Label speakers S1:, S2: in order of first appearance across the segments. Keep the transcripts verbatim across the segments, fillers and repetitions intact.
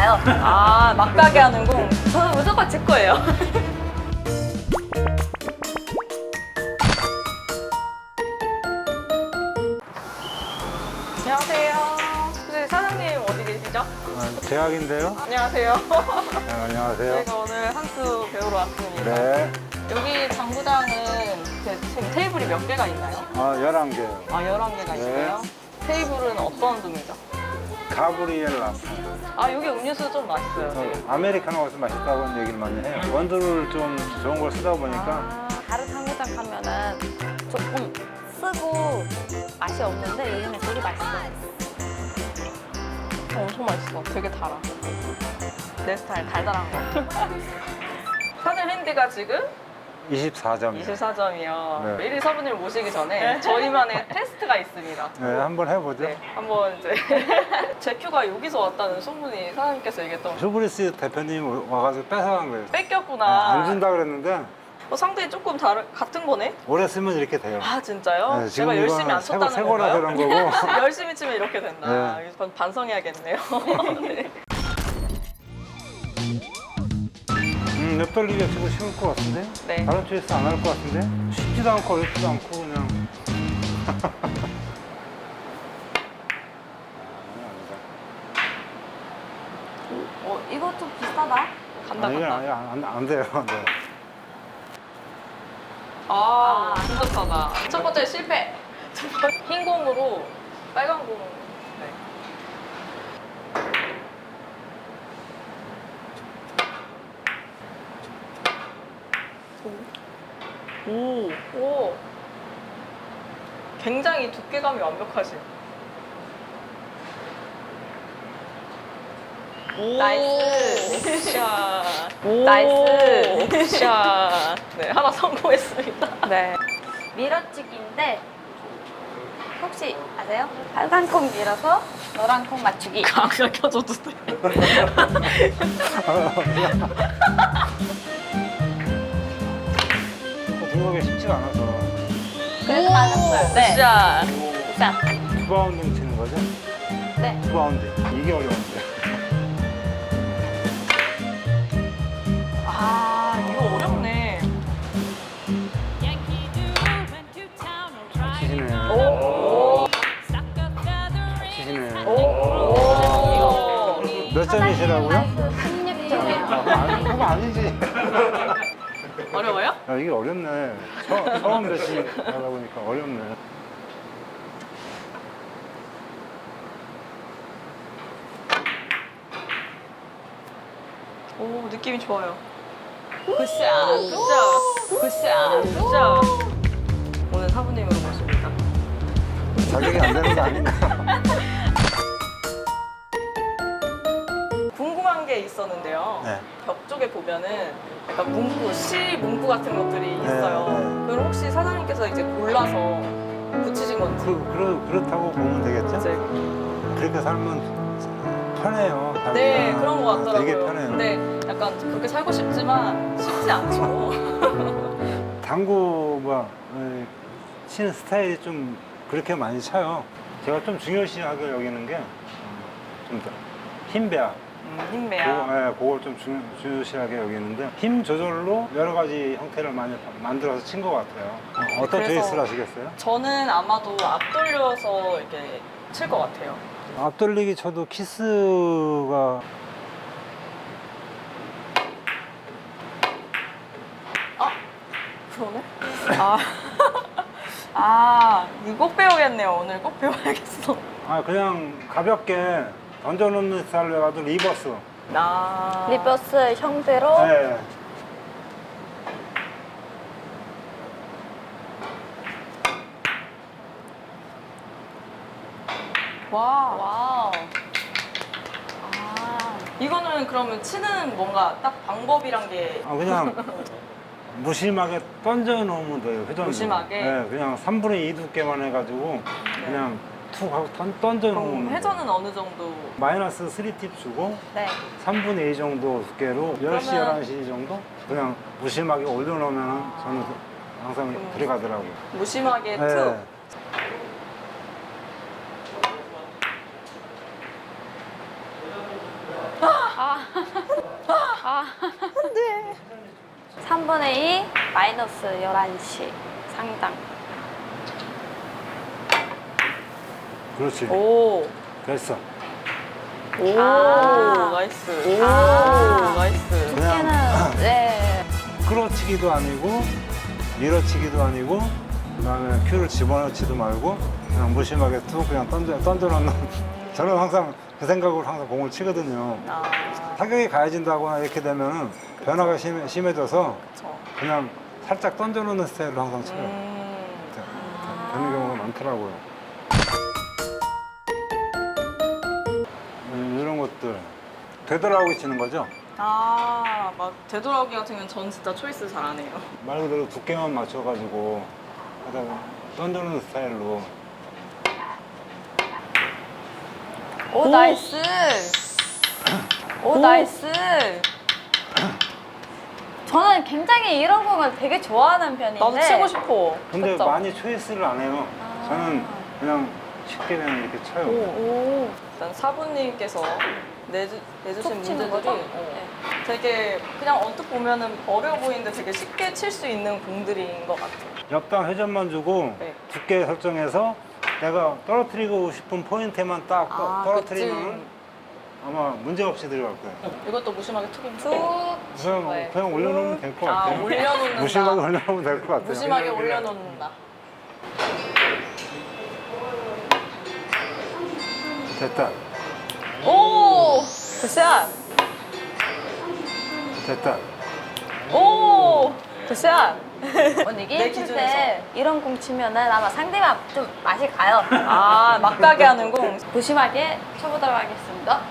S1: 봐요.
S2: 아, 막가게 하는 공.
S1: 저는 무조건 제 거예요.
S2: 안녕하세요. 혹시 사장님 어디 계시죠?
S3: 아, 대학인데요?
S2: 안녕하세요.
S3: 네, 안녕하세요.
S2: 저희가 오늘 한수 배우러 왔습니다.
S3: 네.
S2: 여기 장구장은 그 지금 테이블이 몇 개가 있나요?
S3: 아, 열한 개요.
S2: 아, 열한 개가
S3: 네.
S2: 있어요. 테이블은 어떤 종류죠?
S3: 가브리엘 라파.
S2: 아, 여기 음료수 좀 맛있어요. 되게.
S3: 아메리카노가 좀 맛있다고 얘기를 많이 해요. 원두를 좀 좋은 걸 쓰다 보니까
S2: 아,
S1: 다른 장구장 가면은 조금 쓰고 맛이 없는데 여기는 되게 맛있어요.
S2: 엄청 맛있어. 되게 달아. 내 스타일 달달한 거. 사장님 핸디가 지금
S3: 이십사 점이요.
S2: 이십사 점이요.
S3: 네.
S2: 메리 사부님 모시기 전에 저희만의 테스트가 있습니다.
S3: 네, 한번 해보죠.
S2: 네, 한번 이제 제큐가 여기서 왔다는 소문이 사장님께서 얘기했던 거.
S3: 휴브리스 대표님 와가지고 뺏어간 거예요.
S2: 뺏겼구나.
S3: 안 준다 그랬는데
S2: 어, 상당히 조금 다른 같은 거네?
S3: 오래 쓰면 이렇게 돼요.
S2: 아, 진짜요?
S3: 네, 지금
S2: 제가 열심히
S3: 이거는
S2: 안
S3: 새
S2: 쳤다는
S3: 새 거라
S2: 건가요?
S3: 그런 거고.
S2: 열심히 치면 이렇게 된다.
S3: 네.
S2: 전 반성해야겠네요. 네.
S3: 음, 냅돌리기가 치고 쉬울 것 같은데?
S2: 네.
S3: 다른 초이스 안 할 것 같은데? 쉽지도 않고 어렵지도 않고 그냥.
S1: 어, 이거 좀 비싸다.
S2: 간다,
S3: 아, 이건
S2: 간다.
S3: 아니, 안, 안 돼요. 네.
S2: 아, 진짜하다. 첫 번째 실패. 첫 번째 흰 공으로 빨간 공. 네. 오, 오. 굉장히 두께감이 완벽하신. 오,
S1: 나이스.
S2: 샷.
S1: 나이스.
S2: 샷. 네, 하나 성공했습니다.
S1: 네. 밀어치기인데 혹시 아세요? 빨간 콩 밀어서 노란 콩 맞추기.
S2: 강사 켜줘도 돼.
S3: 등록이 쉽지가 않아서.
S1: 그래도 맞았어요. 네.
S2: 샷.
S1: 자,
S3: 두 바운딩 치는 거죠?
S1: 네.
S3: 두 바운딩. 이게 어려운데.
S2: 아, 이거 어렵네.
S3: 치시네.
S2: 오.
S3: 치시네.
S2: 오.
S3: 몇 점이시라고요?
S1: 십육 점이에요.
S3: 아, 그거 아니, 그거 아니지.
S2: 어려워요?
S3: 야, 이게 어렵네. 처, 처음 배시 하다 보니까 어렵네.
S2: 오, 느낌이 좋아요.
S1: 굿샷.
S2: 굿샷. 굿샷. 굿샷. 오늘 사부님으로 모십니다.
S3: 자격이 안 되는 거 아닌가?
S2: 궁금한 게 있었는데요.
S3: 네.
S2: 벽 쪽에 보면은 약간 문구, 시 문구 같은 것들이 있어요.
S3: 네.
S2: 그럼 혹시 사장님께서 이제 골라서 붙이신 건지.
S3: 그, 그렇, 그렇다고 보면 되겠죠?
S2: 이제
S3: 그렇게 살면 편해요. 살기가.
S2: 네, 그런 것 같더라고요.
S3: 되게 편해요.
S2: 근데 약간 그렇게 살고 싶지만 쉽지 않죠.
S3: 당구 뭐 어, 치는 스타일이 좀 그렇게 많이 차요. 제가 좀 중요시하게 여기는 게 좀 힘 배합.
S2: 음,
S3: 그거,
S2: 힘내야.
S3: 네, 그걸 좀 중요, 중요시하게 여기는데 힘 조절로 여러 가지 형태를 많이 만들어서 친 것 같아요. 어, 어떤
S2: 그래서-
S3: 베이스를 하시겠어요?
S2: 저는 아마도 앞돌려서 이렇게 칠 것 같아요.
S3: 앞돌리기 쳐도 키스가
S2: 그러네? 아, 아, 이거 꼭 배우겠네요. 오늘 꼭 배워야겠어.
S3: 아 그냥 가볍게 던져놓는 스타일로 해가지고 리버스.
S2: 나.
S1: 리버스 형태로
S3: 네.
S2: 와.
S1: 와우. 아,
S2: 이거는 그러면 치는 뭔가 딱 방법이란 게.
S3: 아 그냥 무심하게 던져 놓으면 돼요. 회전으로.
S2: 무심하게?
S3: 네, 그냥 삼분의 이 두께만 해가지고 그냥 툭 하고 던, 던져
S2: 그럼
S3: 놓으면
S2: 회전은 어느 정도?
S3: 마이너스 삼 팁 주고
S1: 네.
S3: 삼분의 이 정도 두께로 열 시,
S2: 그러면-
S3: 열한 시 정도 그냥 무심하게 올려놓으면 저는 항상
S2: 음.
S3: 들어가더라고요.
S2: 무심하게
S3: 네.
S2: 툭.
S1: 아, 삼분의 이 마이너스 열한 시 상당.
S3: 그렇지.
S2: 오.
S3: 됐어.
S2: 오.
S1: 아.
S2: 나이스. 오.
S1: 아.
S2: 나이스.
S3: 그냥
S1: 두께는 네.
S3: 끌어치기도 아니고 밀어치기도 아니고 그다음에 큐를 집어넣지도 말고 그냥 무심하게 툭 그냥 던져 던져놓는. 저는 항상 그 생각으로 항상 공을 치거든요.
S2: 아.
S3: 타격이 가해진다거나 이렇게 되면 변화가 심해, 심해져서
S2: 그쵸.
S3: 그냥 살짝 던져놓는 스타일로 항상 쳐요.
S2: 음.
S3: 되- 되는 경우가 많더라고요. 음, 이런 것들 되돌아오고 치는 거죠.
S2: 아, 막 되돌아오기 같은 경우는 전 진짜 초이스 잘 안 해요.
S3: 말 그대로 두께만 맞춰가지고 하다가 던져놓는 스타일로.
S1: 오,
S2: 오.
S1: 나이스. 오,
S2: 오.
S1: 나이스. 저는 굉장히 이런 공을 되게 좋아하는 편인데.
S2: 나도 치고 싶어.
S3: 근데
S1: 그쵸?
S3: 많이 초이스를 안 해요.
S1: 아.
S3: 저는 그냥 쉽게 그냥 이렇게 쳐요.
S2: 오.
S1: 오.
S2: 일단 사부님께서 내주, 내주신
S1: 툭 치는
S2: 문제들이
S1: 거죠?
S2: 어,
S1: 네.
S2: 되게 그냥 언뜻 보면은 어려워 보이는데 되게 쉽게 칠 수 있는 공들인 것 같아요.
S3: 옆당 회전만 주고
S2: 네.
S3: 두께 설정해서 내가 떨어뜨리고 싶은 포인트에만 딱 떠-
S2: 아,
S3: 떨어뜨리면 아마 문제 없이 들어갈 거예요.
S2: 이것도 무심하게 툭
S1: 툭.
S3: 그냥,
S1: 네.
S3: 그냥 올려놓으면 될 것
S2: 아,
S3: 같아요.
S2: 올려놓는다.
S3: 무심하게 올려놓으면 될 것 같아요.
S2: 무심하게 올려놓는다.
S3: 됐다.
S2: 오! 굿샷!
S3: 됐다.
S2: 오! 굿샷!
S1: 언니
S2: 내
S1: 게임 칠
S2: 기준에서.
S1: 때 이런 공 치면은 아마 상대방 좀 맛이 가요.
S2: 아, 막가게 하는 공.
S1: 무심하게 쳐보도록 하겠습니다.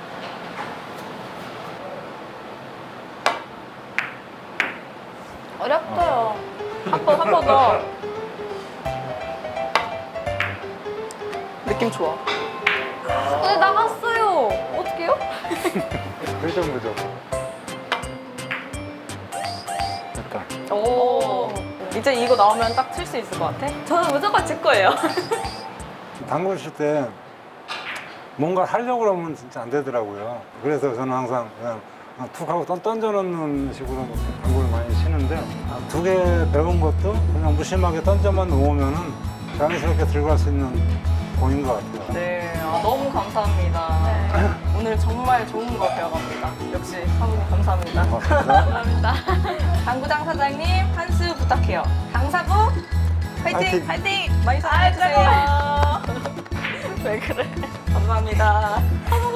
S1: 어렵어요.
S2: 한 번, 한 번 더. 느낌 좋아.
S1: 근데 나갔어요. 어떡해요?
S3: 그 정도죠. 됐다.
S2: 오. 이제 이거 나오면 딱 칠 수 있을 것 같아?
S1: 저는 무조건 칠 거예요.
S3: 당구 칠 때 뭔가 하려고 그러면 진짜 안 되더라고요. 그래서 저는 항상 그냥 툭 하고 던, 던져놓는 식으로 당구를 많이 치는데 두 개 배운 것도 그냥 무심하게 던져만 놓으면은 자연스럽게 들어갈 수 있는 공인 것 같아요.
S2: 네, 아, 너무 감사합니다.
S1: 네.
S2: 오늘 정말 좋은 거 배워갑니다. 역시 사부님 감사합니다.
S3: 고맙습니다.
S1: 감사합니다.
S2: 당구장 사장님 한 수 부탁해요. 강사부 화이팅!
S3: 화이팅!
S2: 화이팅! 많이 사랑해주세요. 왜 그래? 감사합니다.